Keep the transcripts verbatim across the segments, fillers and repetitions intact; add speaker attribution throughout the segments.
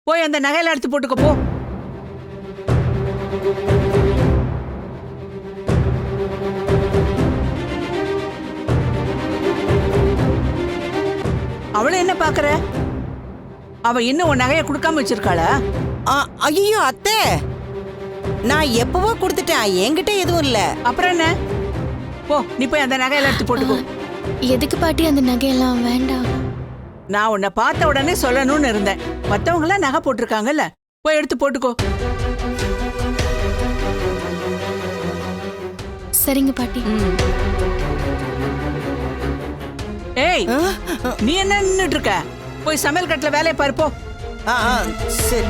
Speaker 1: போய் அந்த நகையில எடுத்து போட்டுக்க போ. அவளை என்ன பாக்குற? அவ இன்னும் உன் நகையை கொடுக்காம வச்சிருக்காளா?
Speaker 2: ஐயோ அத்தை, நான் எப்பவோ கொடுத்துட்டேன், என்கிட்ட எதுவும் இல்ல.
Speaker 1: அப்புறம் என்ன? போ, நீ போய் அந்த நகையில எடுத்து போட்டுக்கோ.
Speaker 3: எதுக்கு பாட்டி அந்த நகையெல்லாம்? வேண்டாம்.
Speaker 1: நான் உன்னை பார்த்த உடனே சொல்லணும்னு இருந்தேன். மத்தவங்க எல்லாம் நகை போட்டிருக்காங்கல்ல, போய் எடுத்து போட்டுக்கோ.
Speaker 3: சரிங்க பாட்டி.
Speaker 1: ஏய், நீ என்ன நின்னுட்டு இருக்க? போய் சமையல் கட்டுல வேலையை பாரு போ.
Speaker 2: ஆ, ஆ, சரி.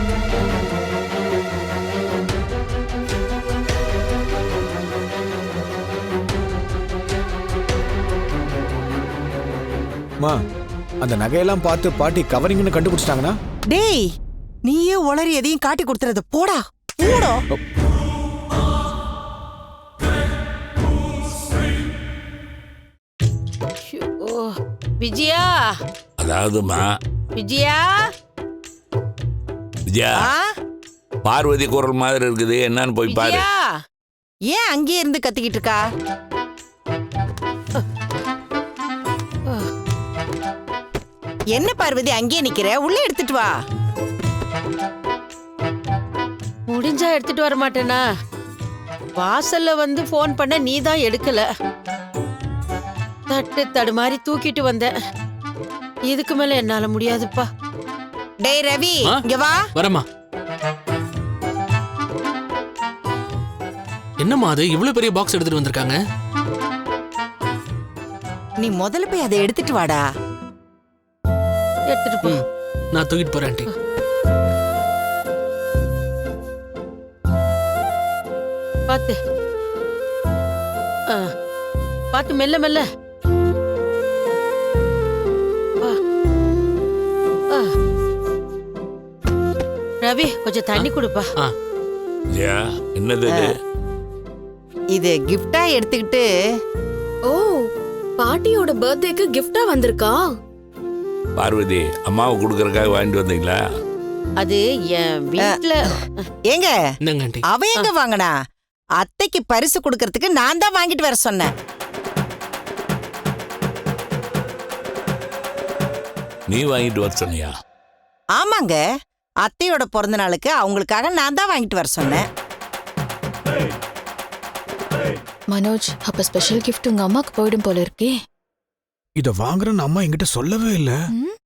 Speaker 4: மா, அந்த நகையெல்லாம் பார்த்து பாட்டி கவரிங்னு கண்டுபிடிச்சிட்டாங்கன்னா?
Speaker 2: டேய், நீயே உளறி எதையும் காட்டி கொடுத்துறது. போடா போடா.
Speaker 5: விஜயா,
Speaker 6: அதாவதுமா
Speaker 5: விஜயா,
Speaker 6: விஜயா, பார்வதி குரல் மாதிரி இருக்குது, என்னன்னு போய் பாரு.
Speaker 5: விஜயா,
Speaker 2: ஏன் அங்கேயே இருந்து கத்திக்கிட்டு இருக்கா? என்ன பார்வதி அங்கேயே நிக்கிற? உள்ள எடுத்துட்டு வா.
Speaker 5: முடிஞ்சா எடுத்துட்டு வர மாட்டேனா? வாசல்ல வந்து போன் பண்ண நீ தான் எடுக்கல. தட்டு தடு மாதிரி தூக்கிட்டு வந்த. இதுக்கு மேல என்னால முடியாதுப்பா.
Speaker 2: டேய் ரவி, இங்க வா.
Speaker 7: வரமா. என்னம்மா அது இவ்வளவு பெரிய பாக்ஸ் எடுத்துட்டு வந்திருக்காங்க?
Speaker 2: நீ முதல்ல போய் அதை எடுத்துட்டு வாடா.
Speaker 5: எடுத்துட்டு போ.
Speaker 7: நான் தூக்கிட்டு போறேன் ஆண்டி.
Speaker 5: பாத்து பாத்து, மெல்ல மெல்ல. ரவி, கொஞ்சம் தண்ணி கொடுப்பா.
Speaker 6: விஜயா, என்னது இது?
Speaker 2: இது கிஃப்டா எடுத்துக்கிட்டு.
Speaker 3: ஓ, பாட்டியோட பர்த்டேக்கு கிஃப்டா வந்திருக்கா?
Speaker 6: பார்வதி, அம்மாவை கொடுக்கறதுக்காக வாங்கிட்டு வந்தீங்களா?
Speaker 5: அது என் வீட்ல.
Speaker 2: ஏங்க,
Speaker 7: இந்தாங்க ஆண்டி.
Speaker 2: அவ எங்க வாங்கினா? அத்தைக்கு பரிசு கொடுக்கறதுக்கு நான் தான் வாங்கிட்டு வர சொன்னேன்.
Speaker 6: நீ வாங்கிட்டு வர சொன்னியா?
Speaker 2: ஆமாங்க, அத்தையோட பிறந்த நாளுக்கு அவங்களுக்காக நான் தான் வாங்கிட்டு வர சொன்னேன்.
Speaker 3: மனோஜ், அப்ப ஸ்பெஷல் கிஃப்ட் உங்க அம்மாக்கு போயிடும் போல இருக்கே.
Speaker 4: இத வாங்குறேன்னு அம்மா என்கிட்ட சொல்லவே இல்ல.
Speaker 3: ம்?